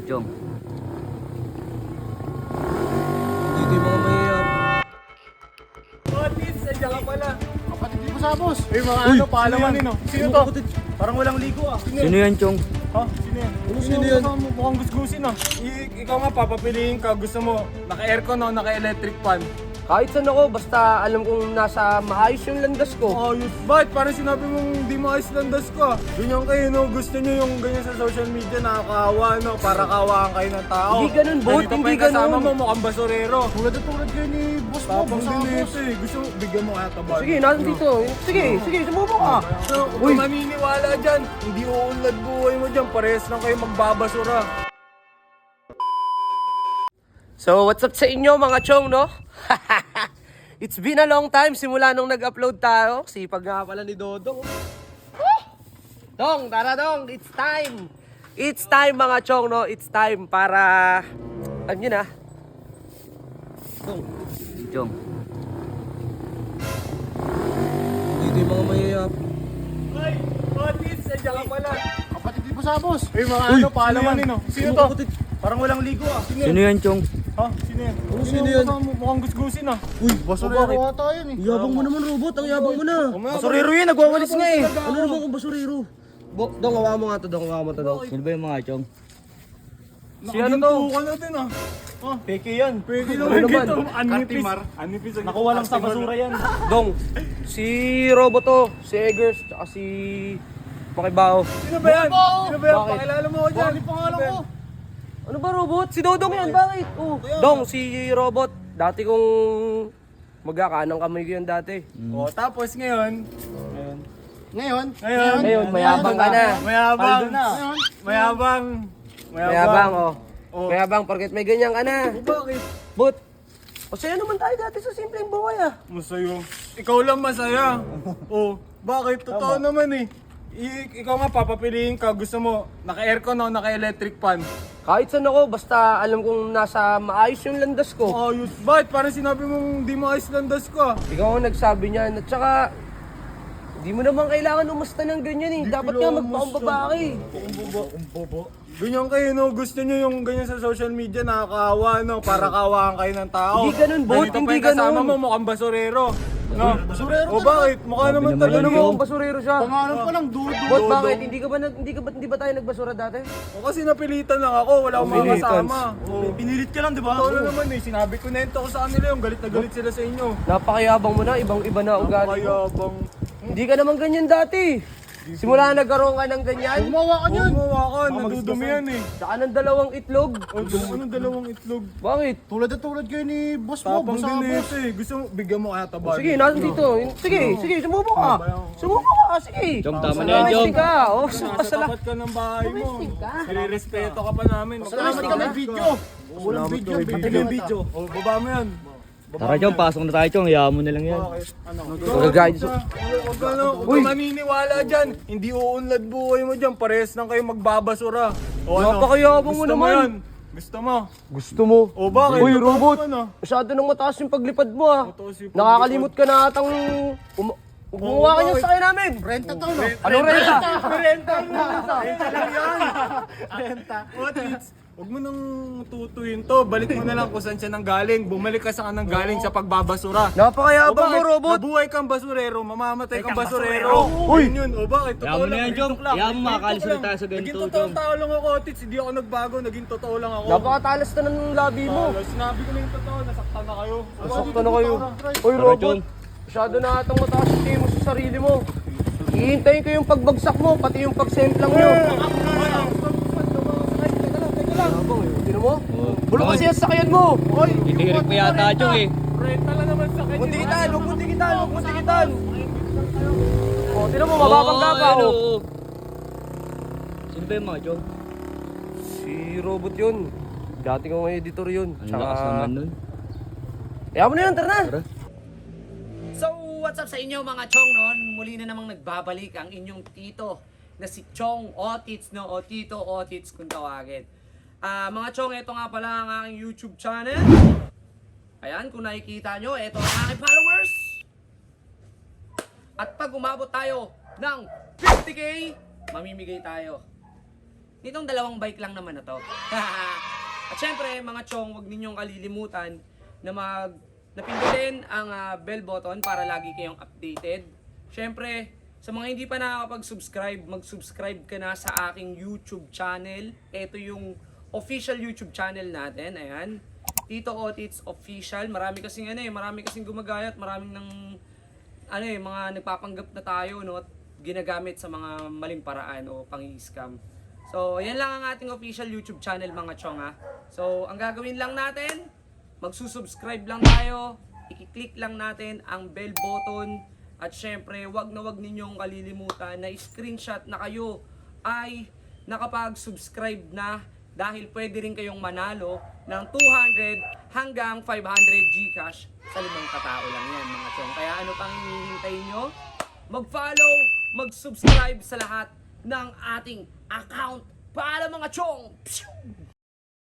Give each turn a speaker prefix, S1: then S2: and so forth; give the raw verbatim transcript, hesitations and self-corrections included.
S1: Chong.
S2: Dito yung mga mahihap.
S3: Otis, nandiyan ka pala.
S2: Kapatid mo sa boss.
S3: Eh, mga
S2: Uy,
S3: ano, paalaman no? Sino to? Parang walang ligo ah.
S1: Sino yan, Chong?
S3: Ha? Sino yan?
S2: Ano sino yan?
S3: Mukhang, mukhang gusgusin ah. I- ikaw nga, papapiliin ka. Gusto mo, naka-aircon o naka-electric fan?
S4: Kahit saan ako, basta alam kong nasa maayos yung landas ko.
S3: Ayos. Bakit? Parang sinabi mong di mo ayos landas ka. Ganyan kayo, no? Gusto nyo yung ganyan sa social media, nakakawa, no? Para kawaan kayo ng tao.
S4: Hindi ganun, bot.
S3: Ganito pa
S4: Hindi
S3: yung kasama
S4: ganun.
S3: mo, mukhang basurero.
S2: Tulad na tulad kayo ni boss mo.
S3: Tapang
S2: Boss
S3: din
S2: ako, boss.
S3: ito eh. Gusto mo, bigyan mo kaya tabal.
S4: Sige, nasan dito? Sige, sige, sumubo ka.
S3: So, kung maniniwala dyan, hindi uunlad buhay mo dyan. Parehas lang kayo magbabasura.
S4: So, what's up sa inyo mga chong, no? It's been a long time simula nung nag-upload tayo. Sipag nga pala ni Dodong. Woo! Dong, tara dong, it's time. It's time mga chong, no? It's time para... Alam nyo na. Dong.
S1: Chong.
S2: Dito yung mga mahihap.
S3: Ay, Otis, nandiyan ka pala.
S2: Kapatid mo sa boss.
S3: Eh, mga ano, paalaman no? Sino to? Parang walang ligo ah.
S1: Sino yan, Chong?
S3: Ha? Sino yan?
S2: Ano sino yan?
S3: Mukhang, mukhang gusgusin ah.
S2: Uy, basurero ata yun eh.
S1: Yabang mo naman, robot. Ang yabang mo na.
S3: Basurero yun, nagwawalis nga eh.
S1: Ano naman kung basurero?
S4: Bo, dong, hawa mo nga to, dong, hawa mo to, dong.
S1: Sino ba yung mga, Chong?
S3: Si ano to? Nakaginto ka na din ah. Ah, peke yan. Peke lang
S4: Ano naman?
S3: ito. Anipis. Anipis. Nakuha lang sa basura yan.
S4: Dong, si Robot to, si Eggers, tsaka si Pakibao.
S3: Sino ba yan? Sino ba yan?
S4: Bakit?
S3: Pakilala mo ko dyan.
S2: Bakit pangalan ko?
S4: Ano ba, Robot? Si Dodong yan, bakit? Oh. Dong, si Robot. Dati kong magkakanang kamay ko yan dati.
S3: O, tapos ngayon. Ngayon.
S2: Ngayon?
S3: Ngayon.
S4: Ngayon, mayabang ka na.
S3: Mayabang.
S2: Ngayon?
S3: Mayabang.
S4: Mayabang, oh.
S3: Oh.
S4: Mayabang, porket may ganyan ka na.
S3: O, bakit?
S4: But, masaya naman tayo dati sa simpleng buhay ah.
S3: Masaya. Ikaw lang masaya. O, bakit? Totoo naman eh. I- ikaw nga papapiliin ka. Gusto mo, naka-aircon o naka-electric fan?
S4: Kahit saan ako, basta alam kong nasa maayos yung landas ko.
S3: Ayos. Bakit? Parang sinabi mong di mo ayos landas ka.
S4: Ikaw ang nagsabi niyan. At saka, di mo naman kailangan umusta ng ganyan eh. Dapat nga
S3: kailangan
S4: magpakumbaba ka eh.
S3: Ganyan kayo, no? Gusto nyo yung ganyan sa social media, nakakawa, no? Para kawaan kayo ng tao.
S4: Hindi ganun, bot.
S3: Ganito pa
S4: Hindi
S3: yung kasama
S4: ganun.
S3: mo, mukhang basurero. No?
S2: Basurero
S3: O bakit? Mukha naman
S1: naman
S3: talaga
S4: Ano
S1: yun.
S4: mo
S3: mo.
S4: kung basurero siya?
S2: Pangalan pa lang, dudo.
S4: Bot,
S3: Dodong.
S4: bakit? Hindi ka ba, nag- hindi ka ba, hindi ba tayo nagbasura dati?
S3: O kasi napilitan lang ako, wala akong mga
S4: Pilitan.
S3: kasama. O, pinilit ka lang, di ba? Totoo na naman eh, sinabi ko na ito ko sa kanila yung galit na galit sila sa inyo.
S4: Napakayabang mo na, ibang-iba na ugali mo.
S3: Napakayabang.
S4: Hindi ka naman ganyan dati. Simula na nagkaroon ka ng ganyan,
S2: Gumawa ka
S3: Huwag
S2: niyan.
S3: mo ka, nadudumi yan eh.
S4: saka ng dalawang itlog.
S3: O, anong dalawang itlog?
S4: Bakit?
S2: Tulad na tulad kayo ni boss mo.
S3: Tapang
S2: Boss ako,
S3: din
S2: boss.
S3: ito eh. Gusto mo, bigyan mo kaya tabal.
S4: Sige, nasan dito? Sige, sige, sumubo ka. Sumubo ka, sige.
S1: Chong, tama na yan, Chong.
S4: Domestic ka. Oh,
S3: Sa
S4: masala.
S3: tapat ka ng bahay mo.
S4: Domestic ka.
S3: Nire-respeto ka pa namin.
S2: Salamat ka may video. Walang video.
S3: Pati yung video. O, baba mo yan.
S1: Tara, Chong. Pasok na tayo, Chong. Hayaan mo na lang yan.
S3: Ano?
S4: Mag-guide sa-
S3: Huwag ka na, huwag ka maniniwala dyan. Hindi uunlad buhay mo dyan. Parehas lang kayo magbabasura. O ano?
S4: Napakayabang mo
S3: Gusto
S4: naman.
S3: yan? Gusto mo?
S4: Gusto mo?
S3: O bakit?
S4: Uy,
S3: Totoo
S4: robot.
S3: naman, ah.
S4: Masyado nang mataas yung paglipad mo ah.
S3: Mataas yung paglipad.
S4: Nakakalimot ka na atang um- gumawa ka niyang
S3: bakit?
S4: sakay namin.
S2: Renta to, no?
S4: Anong renta?
S3: Renta mo. Renta lang yan. Renta. What it's? Huwag mo nang tutuyin to. Balik mo na lang kung saan siya nang galing. Bumalik ka sa kanang galing sa pagbabasura.
S4: Napakayabang mo,
S3: bakit?
S4: robot.
S3: Mabuhay kang basurero, mamamatay kang basurero. Uy! Yun yun. O bakit?
S1: Hayaan
S3: Totoo
S1: mo na
S3: lang.
S1: yan,
S3: Real
S1: Chong.
S3: talk lang.
S1: Hayaan mo,
S3: Real
S1: makakalis
S3: talk
S1: ulit
S3: lang.
S1: tayo sa ganito,
S3: Naging totoong
S1: Chong.
S3: tao lang ako, Tits. Hindi ako nagbago. Naging totoo lang ako.
S4: Napakatalas na ng labi mo.
S3: Talo, sinabi ko na yung totoo. Nasaktan na kayo.
S4: Nasakta na kayo. Uy,
S1: Tara,
S4: robot.
S1: Chong.
S4: Masyado na atang mataas yung tingin mo sa sarili mo. Hihintayin ko yung pagbagsak mo, pati yung pagsemplang nyo. Tino mo? Bulok kasi yung sakyan mo. Oy,
S1: Itihirik mo yata, Chong eh.
S3: Renta lang naman sa kanya.
S4: huwag dikitan, huwag mo dikitan, huwag mo dikitan. O, tino mo, mababangga ka.
S1: Oo,
S4: Oh.
S1: oo. Sino ba yung mga, Chong?
S4: Si robot yun. Dati kong editor yun.
S1: Ang lakas naman nun.
S4: Kaya mo na yun, tara na.
S1: Tara.
S5: So, what's up sa inyo mga chong noon? Muli na namang nagbabalik ang inyong tito na si Chong Otits, no? O Tito Otits kung tawagin. Ah, mga chong, ito nga pala ang aking YouTube channel. Ayan, kung nakikita nyo, ito ang aking followers. At pag umabot tayo ng fifty K, mamimigay tayo nitong dalawang bike lang naman na to. At syempre, mga chong, huwag ninyong kalilimutan na mag napindutin ang ah, bell button para lagi kayong updated. Syempre, sa mga hindi pa nakakapag-subscribe, mag-subscribe ka na sa aking YouTube channel. Ito yung official YouTube channel natin. Ayan. Tito Otits Official. Marami kasing ano eh, marami kasing gumagayat, maraming ng ano eh, mga nagpapanggap na tayo, no, at ginagamit sa mga maling paraan o pang-scam. So, yan lang ang ating official YouTube channel, mga chong, ha. So, ang gagawin lang natin, magsusubscribe lang tayo, i-click lang natin ang bell button, at syempre, wag na wag ninyong kalilimutan na screenshot na kayo ay nakapag-subscribe na, dahil pwede rin kayong manalo ng two hundred hanggang five hundred Gcash sa limang katao lang yan, mga chong. Kaya ano pang hinihintay nyo? Mag-follow, mag-subscribe sa lahat ng ating account para, mga chong. Pshoo!